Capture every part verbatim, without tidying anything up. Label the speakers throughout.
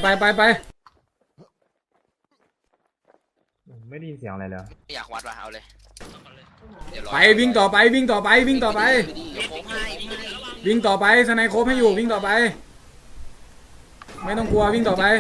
Speaker 1: ไปไปไป
Speaker 2: ไม่ได้ยินเสียงอะไรเลย
Speaker 3: อยากวัดว่ะเอาเลย
Speaker 1: ไปวิ่งต่อไปวิ่งต่อไปวิ่งต่อไปวิ่งต่อไปสไนโคบให้อยู่วิ่งต่อไปไม่ต้องกลัววิ่งต่อไป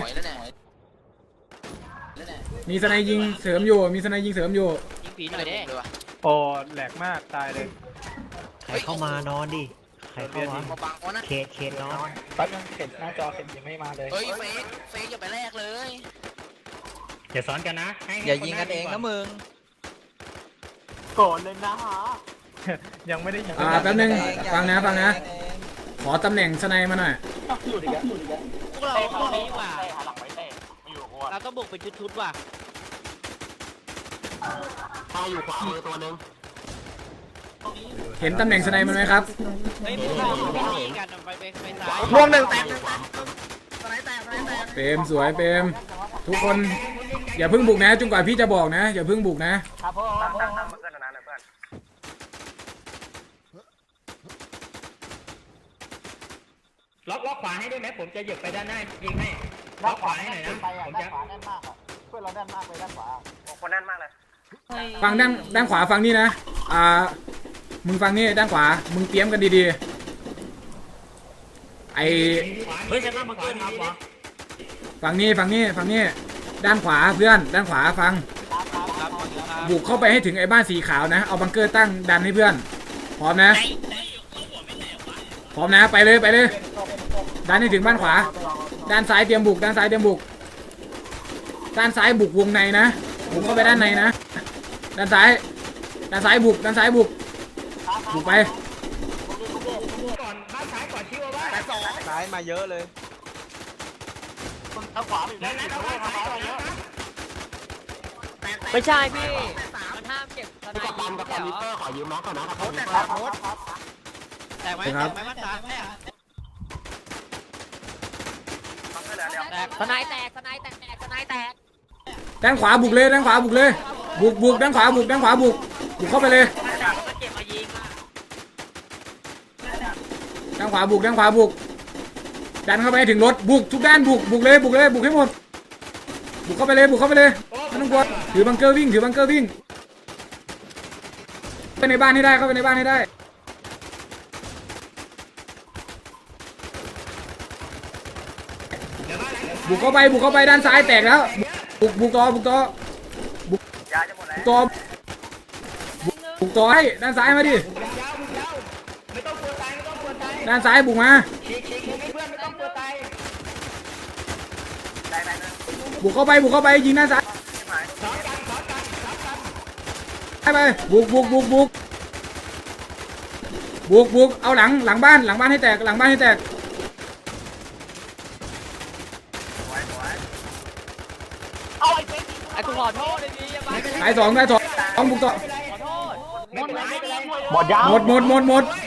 Speaker 1: มีสไนยิงเสริมอยู่มีสไนยิงเสริมอยู่
Speaker 3: ยิงผีหน่อยดิ
Speaker 2: โอ้แหลกมากตายเลย
Speaker 4: ใครเข้ามานอนดิใครเข้ามาเคสเคสนอน
Speaker 5: แป๊บนึงเข็นหน้าจอเข็นยังไม่มาเลย
Speaker 3: เฮ้ยเฟกเฟกอย่าไปแลกเลย
Speaker 4: อย่าซ้อนกันนะ
Speaker 3: อย่ายิงกันเองนะมึง
Speaker 5: โกรธเลยนะฮะ
Speaker 2: ยังไม่ได้ยิง
Speaker 1: อ่าแป๊บนึงฟังนะฟังนะขอตำแหน่งสไนมาหน่อย
Speaker 3: พวกเราตรงนี้ว่ะเราต้องบุกเป็นชุดๆว่ะ
Speaker 5: ตายอยู่ขวามือตัวนึง
Speaker 1: เห็นตำแหน่งสไนมันไหมครับ
Speaker 3: เฮ้ยพวกเราไม่กันไปไปไปซ้าย
Speaker 5: รวมหนึ่งแตก
Speaker 1: เปรมสวยเปรมทุกคนอย่าเพิ่งบุกนะจนกว่าพี่จะบอกนะอย่าเพิ่งบุกนะครับ
Speaker 5: ผมตั้งตั้งตั้งเพื่อนนะเพื่อน
Speaker 4: ล็อกล็อกขวาให้ด้วยไหมผมจะหยิบไปด้านหน้ายิงให้ล็อกขวาให้หน่อยนะผมจะ
Speaker 5: ขวาแน่นมากเพื่อนเราแน่นมากเลยด้านขวาคนแน่นมากเลย
Speaker 1: ฟังด้านด้านขวาฟังนี่นะอ่ามึงฟังนี่ด้านขวามึงเตรียมกันดีๆไอ
Speaker 4: เฮ้ยจะต้องมาเกินครับวะ
Speaker 1: ฟังนี่ฟังนี่ฟังนี่ด้านขวาเพื่อนด้านขวาฟังบุกเข้าไปให้ถึงไอ้บ้านสีขาวนะเอาบังเกอร์ตั้งดันให้เพื่อนพร้อมนะพร้อมนะไปเลยไปเลยดันให้ถึงบ้านขวาด้านซ้ายเตรียมบุกด้านซ้ายเตรียมบุกด้านซ้ายบุกวงในนะบุกเข้าไปด้านในนะด้านซ้ายด้านซ้ายบุกด้านซ้ายบุกบุกไป
Speaker 4: ก่อนบ้านซ้ายก่อนชิวว่า
Speaker 5: ซ้ายมาเยอะเลยทางขวา
Speaker 3: ไม่ใช่พี่มันห้ามเก็บสไนยิง
Speaker 5: กับคอมพิวเตอร์ขอยืมน้องก่อนนะครับโค้ดแตกโค้ด
Speaker 3: แตกไหมแตกไหมมันตายแตกสไนแตกสไนแตกแตกสไนแตก
Speaker 1: ด้านขวาบุกเลยด้านขวาบุกเลยบุกบุกด้านขวาบุกด้านขวาบุกบุกเข้าไปเลยด้านขวาบุกด้านขวาบุกดันเข้าไปถึงรถบุกทุกด้านบุกบุกเลยบุกเลยบุกให้หมดบุกเข้าไปเลยบุกเข้าไปเลยไม่ต้องกลัวถือบังเกอร์วิ่งถือบังเกอร์วิ่งไปในบ้านให้ได้เข้าไปในบ้านให้ได้บุกเข้าไปบุกเข้าไปด้านซ้ายแตกแล้วบุกบุกต่อบุกต่อบุกต่อบุกต่อให้ด้านซ้ายมาดิด้านซ้ายบุกมาบุกเข้าไปบุกเข้าไปยิงด้านซ้ายไปบุกบุกบุกบุกบุกบุกเอาหลังหลังบ้านหลังบ้านให้แตกหลังบ้านให้แตก
Speaker 3: ไอ้กูขอโทษเลยนี่
Speaker 1: ตายสองตายสองสองบุกต่อ
Speaker 5: หมดยาว
Speaker 1: หมดหมดหมดหมด